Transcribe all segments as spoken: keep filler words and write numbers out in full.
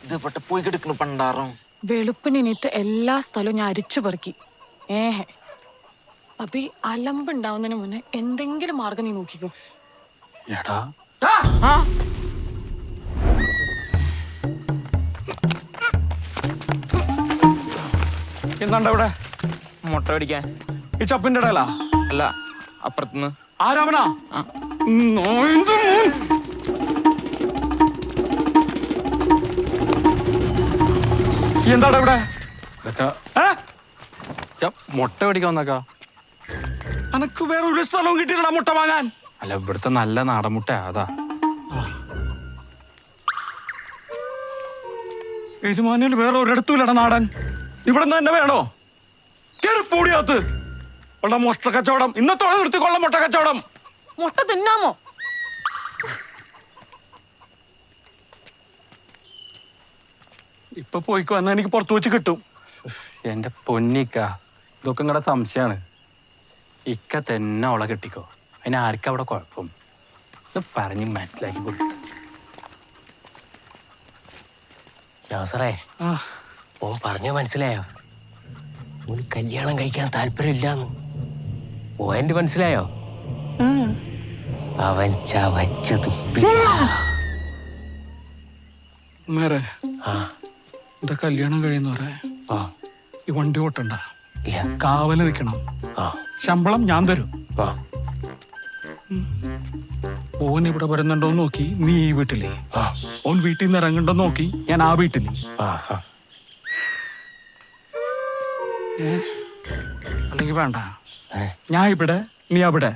ഇത് പെട്ട പോയി കിടക്കണ പണ്ടാറും വെളുപ്പിനിട്ട് എല്ലാ സ്ഥലവും ഞാൻ അരിച്ചു പെറുക്കി. ഏഹേ അപ്പൊ ഈ അലമ്പുണ്ടാവുന്നതിന് മുന്നേ എന്തെങ്കിലും മാർഗം നീ നോക്കിക്കോ. എടാ എന്താണ്ട ഇവിടെ മുട്ട പിടിക്കാൻ ഈ ചപ്പിന്റെ ഇടയിലാ? അല്ല, അപ്പുറത്തുനിന്ന്. ആരാമനാ? എന്താടാ ഇവിടെ? മുട്ട പിടിക്കാൻ വന്നേക്കാ. അനക്ക് വേറെ ഒരു സ്ഥലവും കിട്ടിയില്ലടാ മുട്ട വാങ്ങാൻ. അല്ല, ഇവിടുത്തെ നല്ല നാടൻ മുട്ട അതാ. യജമാനിയിൽ വേറെ ഒരിടത്തുമില്ലടാ നാടൻ. ഇവിടെ നിന്ന് തന്നെ വേണോ? കേറിപ്പൂടിയകത്ത് ഉള്ള മുട്ട കച്ചവടം ഇന്നത്തോടെ നിർത്തിക്കൊള്ള. മുട്ട കച്ചവടം. മുട്ട തിന്നാമോ? ഇപ്പൊ പോയിക്കോ, എന്നാ എനിക്ക് പുറത്തു വെച്ച് കിട്ടും. എന്റെ പൊന്നിക്ക, ഇതൊക്കെ നിങ്ങളുടെ സംശയമാണ്. ഇക്ക തന്നെ അവളെ കെട്ടിക്കോ. അതിന് ആർക്കും അവിടെ കുഴപ്പം. ഇത് പറഞ്ഞ് മനസ്സിലാക്കി കൊടുത്തു. നാസറേ, ഓ പറഞ്ഞ മനസ്സിലായോ? ഓന് കല്യാണം കഴിക്കാൻ താല്പര്യമില്ലാന്ന് പോയിന്റ് മനസ്സിലായോ? അവൻ ചവച്ചു തുപ്പി. നേരെ എന്താ കല്യാണം കഴിയുന്നവരെ ഈ വണ്ടി ഓട്ടണ്ട, കാവല് നിൽക്കണം. ശമ്പളം ഞാൻ തരും. ഓൻ ഇവിടെ വരുന്നുണ്ടോന്ന് നോക്കി നീ ഈ വീട്ടിലേ, ഓൻ വീട്ടിൽ നിന്ന് ഇറങ്ങണ്ടോ നോക്കി ഞാൻ ആ വീട്ടിലേ. അല്ലെങ്കിൽ വേണ്ട, ഞാൻ ഇവിടെ നീ അവിടെ.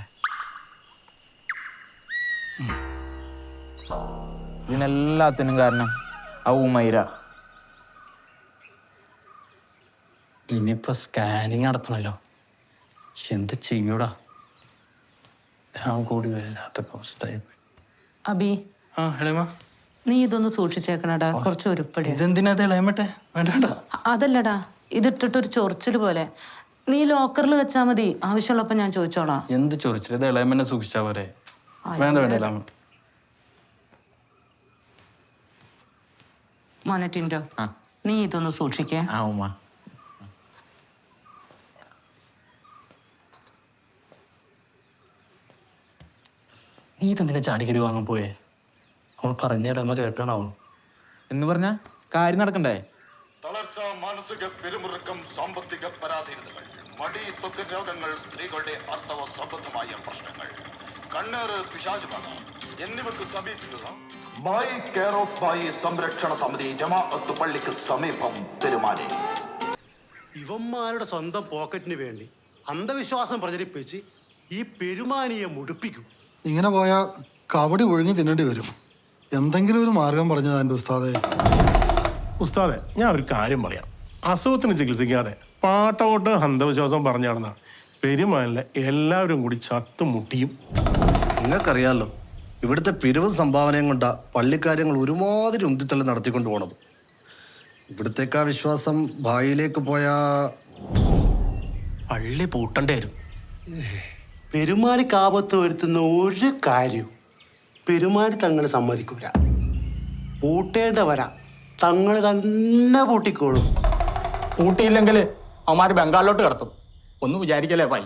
ഇതിനെല്ലാത്തിനും കാരണം ആ ഉമൈര. ഇനിയിപ്പോ സ്കാനിങ് നടത്തണല്ലോ, എന്ത് ചെയ്യൂടാ? ഞാൻ കൂടി വല്ലാത്ത അവസ്ഥയായി. അബി, ആ ഹേമ, നീ ഇതൊന്ന് സൂക്ഷിച്ചേക്കണടാ. കുറച്ച് ഉരുപ്പടി. ഇതെന്തിനാ ഇളയമട്ടെ? വേണ്ട. അതല്ലടാ, ഇതിട്ടിട്ടൊരു ചൊറിച്ചില് പോലെ. നീ ലോക്കറിൽ വെച്ചാ മതി, ആവശ്യമുള്ളപ്പോ ഞാൻ ചോദിച്ചോളാം. എന്ത് ചൊറിച്ചില്? ഇത് ഇളയമ്മനെ സൂക്ഷിച്ചാ പോരെ? വേണ്ട വേണ്ട ഇളയമ. മോനറ്റിൻഡോ, നീ ഇതൊന്ന് സൂക്ഷിക്കേ. ആ ഉമ്മ. നീ തന്നെ ചാടിക്കരി വാങ്ങാൻ പോയേ? അവൾ പറഞ്ഞ ഇടമ കേൾക്കണാവും എന്ന് പറഞ്ഞ കാര്യം നടക്കണ്ടേ? തളർച്ച, മാനസിക പിരിമുറുക്കം, സാമ്പത്തിക പരാധീനതകൾ, മടി, ത്വക്ക് രോഗങ്ങൾ, സ്ത്രീകളുടെ അർത്ഥവ സംബന്ധമായ പ്രശ്നങ്ങൾ, കണ്ണേറ്, പിശാചുബാധ എന്നിവക്ക് സമീപിക്കുക ബായി കെയർ ഓഫ് ബായി സംരക്ഷണ സമിതി, ജമാഅത്ത് പള്ളിക്ക് സമീപം, പെരുമാനി. ഇവന്മാരുടെ സ്വന്തം പോക്കറ്റിന് വേണ്ടി അന്ധവിശ്വാസം പ്രചരിപ്പിച്ച് ഈ പെരുമാനിയെ മുടിപ്പിക്കും. ഇങ്ങനെ പോയാൽ കവടി ഒഴുങ്ങി തിന്നേണ്ടി വരും. എന്തെങ്കിലും ഒരു മാർഗം പറഞ്ഞതാ എൻ്റെ ഉസ്താദേ. ഉസ്താദെ, ഞാൻ ഒരു കാര്യം പറയാം. അസുഖത്തിന് ചികിത്സിക്കാതെ പാട്ടോട്ട് അന്ധവിശ്വാസം പറഞ്ഞു നടന്ന പെരുമാനിലെ എല്ലാവരും കൂടി ചത്തുമുട്ടിയും. നിങ്ങൾക്കറിയാമല്ലോ, ഇവിടുത്തെ പിരിവ് സംഭാവനയും കൊണ്ടാ പള്ളിക്കാര്യങ്ങൾ ഒരുമാതിരി ഉന്തിത്തള്ളി നടത്തിക്കൊണ്ട് പോണത്. ഇവിടുത്തേക്കാ വിശ്വാസം ഭായിലേക്ക് പോയാ പള്ളി പൂട്ടേണ്ടി വരും. പെരുമാനിക്ക് ആപത്ത് വരുത്തുന്ന ഒരു കാര്യവും പെരുമാനി തങ്ങൾ സമ്മതിക്കൂല. പൂട്ടേണ്ട വരാം, തങ്ങൾ തന്നെ പൂട്ടിക്കോളും. പൂട്ടിയില്ലെങ്കിൽ അവന്മാര് ബംഗാളിലോട്ട് കടത്തും. ഒന്നും വിചാരിക്കല്ലേ ഭായി.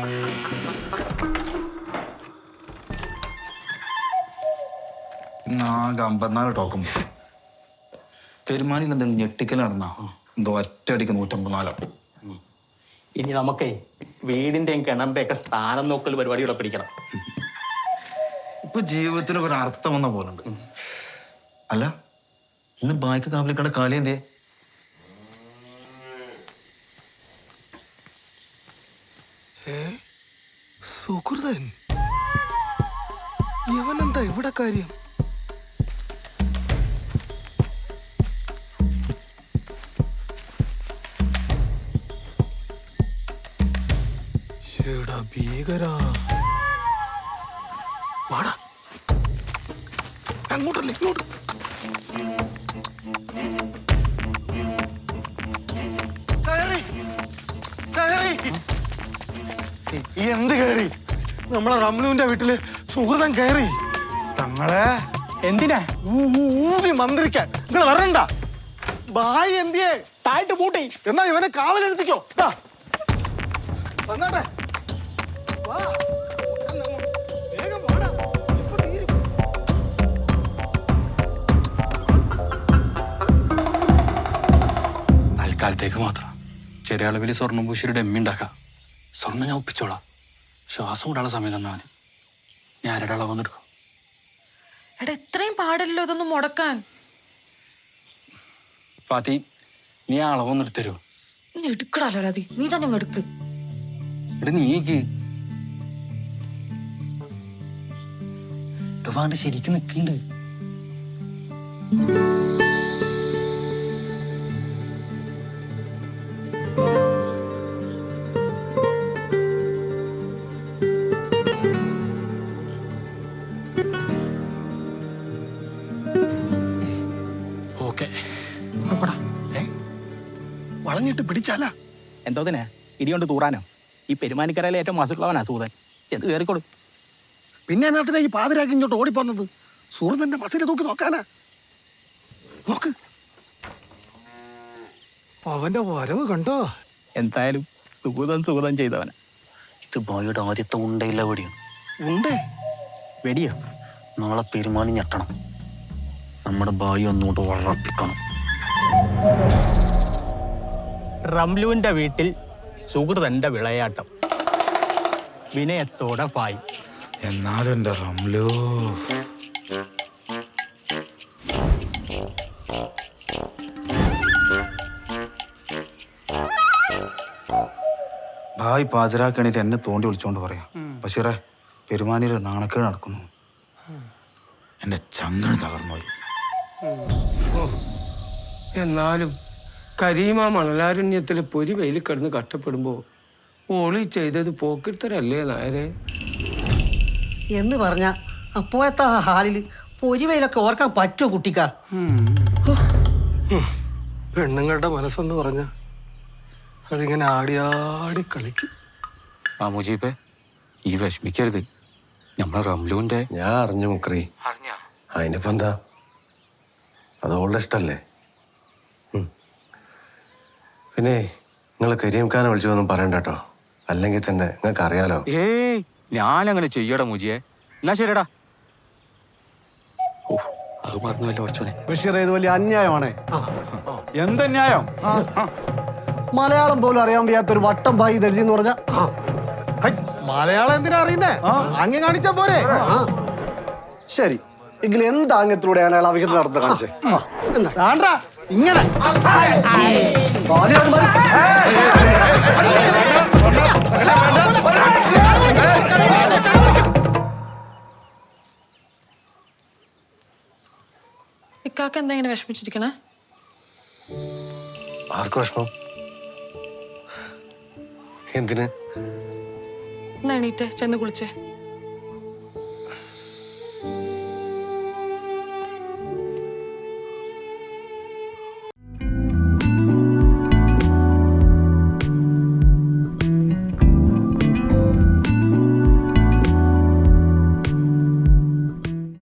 ആകെ അമ്പത്തിനാല് ടോക്കം. പെരുമാനിൽ എന്തെങ്കിലും ഞെട്ടിക്കൽ നടന്നാ എന്തോ ഒറ്റയടിക്ക് നൂറ്റമ്പത്തിനാലോ. ഇനി നമുക്കേ വീടിന്റെയും കിണറിന്റെ ഒക്കെ സ്ഥാനം നോക്കൽ പരിപാടി ഇവിടെ പിടിക്കണം. ഇപ്പൊ ജീവിതത്തിന് ഒരു അർത്ഥം വന്ന പോലുണ്ട്. അല്ല, ഇന്ന് ബായ്ക്ക് കാവലിക്കട കാലി എന്തേ? സുഹൃതൻ ഇവനെന്താ ഇവിടെ കാര്യം? ഭീകരാ, വാടാ അങ്ങോട്ടല്ല ഇങ്ങോട്ട്. എന്ത് കയറി? നമ്മളെ റംലുവിന്റെ വീട്ടില് സുഹൃതം കയറി. തങ്ങളെ എന്തിനാ? ഊതി മന്ത്രിക്കാൻ നിങ്ങൾ വരണ്ട. ബായി എന്തിയേ? താഴ്ത്ത് പൂട്ടി. എന്നാ ഇവനെ കാവലെടുത്തിക്കോ. ദാ. വന്നാട്ടെ. വാ. വേഗം വാടാ. ഇപ്പൊ തീരും. തൽക്കാലത്തേക്ക് മാത്രം ചെറിയ അളവിൽ സ്വർണ്ണം പൂശിയൊരു ഡമ്മി ഉണ്ടാക്കാം. സ്വർണ്ണം ഞാൻ ഒപ്പിച്ചോളാം. ശ്വാസം കൂടാനുള്ള സമയം തന്നാൽ മതി. ഞാൻ ആരുടെ അളവ് വന്നെടുക്കും. എടാ ഇത്രയും പാടില്ലല്ലോ ഇതൊന്നും മുടക്കാൻ. ഫാത്തി, നീ ആ അളവൊന്നും എടുത്തരുമോ? നീ എടുക്കടാലോ രാതി, നീ തന്നെ അങ്ങ് എടുക്ക്. ഇവിടെ നീക്ക് വാണ്ട് ശരിക്കും നിൽക്കുന്നുണ്ട്. ഓക്കെ, വളഞ്ഞിട്ട് പിടിച്ചാല എന്തോതിനെ ഇടികൊണ്ട് തൂറാനോ? ഈ പെരുമാനിക്കരയിലെ ഏറ്റവും മാസുള്ളവനാ സൂതൻ. എന്ത് കയറിക്കോളൂ. പിന്നെ എന്നാത്തിനാ ഈ പാതിരാക്കി ഇങ്ങോട്ട് ഓടിപ്പോന്നത്? സൂര്യന്റെ മസിനെ തൂക്കി നോക്കാനാ. നോക്ക്, അവന്റെ വരവ് കണ്ടോ? എന്തായാലും സുഗതം സുഗതം ചെയ്തവനാ. ഇത് ബായിയുടെ ആദ്യത്തെ ഉണ്ടയില്ല വെടിയാണ്. ഉണ്ടേ വെടിയോ? നാളെ പെരുമാനി ഞെട്ടണം. നമ്മുടെ ബായി ഒന്നുകൊണ്ട് വളർത്തിക്കണം. റംലുവിന്റെ വീട്ടിൽ സുഹൃതന്റെ വിളയാട്ടം. വിനയത്തോടെ പായി. എന്നാലും എൻ്റെ റംലു ഭായ് പാചരാക്കണിട്ട് എന്നെ തോണ്ടി വിളിച്ചോണ്ട് പറയാം. ബഷീറേ, പെരുമാനിയുടെ നാണക്കേട് നടക്കുന്നു. എൻ്റെ ചങ്കൺ തകർന്നുപോയി. എന്നാലും കരീമ മണലാരണ്യത്തിൽ പൊരി വെയിൽ കിടന്ന് കഷ്ടപ്പെടുമ്പോൾ ഓളി ചെയ്തത് പോക്കിത്തരല്ലേ നായരെ? എന്ന് പറഞ്ഞ അപ്പോഴത്തെ ആ ഹാലിൽ പൊരിവയിലൊക്കെ ഓർക്കാൻ പറ്റുമോ കുട്ടിക്കാ? പെണ്ണുങ്ങളുടെ മനസ്സെന്ന് പറഞ്ഞ അതിങ്ങനെ ആടിയാടി കളിക്കും. ആ മുജീബേ, ഈ വിഷമിക്കരുത്. നമ്മളെ റംലുവിന്റെ ഞാൻ അറിഞ്ഞു മുക്രി. അതിനിപ്പോ എന്താ, അത് ഓളുടെ ഇഷ്ടല്ലേ. പിന്നെ നിങ്ങൾ കരീംഖാനെ വിളിച്ചൊന്നും പറയണ്ട കേട്ടോ, അല്ലെങ്കിൽ തന്നെ നിങ്ങൾക്ക് അറിയാലോ. ഏയ്, ഞാനങ്ങനെ ചെയ്യടാ മുജിയെ. എന്നാ ശരിടാ. ഓ, അത് മറന്നുവല്ലോ കുറച്ചോനെ. ബഷീർ, ഇത് വലിയ അന്യായമാണേ. എന്തന്യായം? മലയാളം പോലും അറിയാൻ വയ്യാത്തൊരു വട്ടം ഭായി ദരിദ്രം എന്ന് പറഞ്ഞ മലയാളം എന്തിനാ അറിയുന്നേ? അങ്ങ് കാണിച്ചാ പോരെ. ശരി, എങ്കിൽ എന്താ അങ്ങത്തിലൂടെയാണ് അയാൾ അവിഹിത നടത്ത കാണിച്ചേ? ഇങ്ങനെ ഇക്കാക്ക എന്താ ഇങ്ങനെ വിഷമിച്ചിരിക്കണേ? ആർക്കും വിഷമം എന്തിന്? എന്നാ എണീറ്റേ, ചെന്ന് കുളിച്ചേ.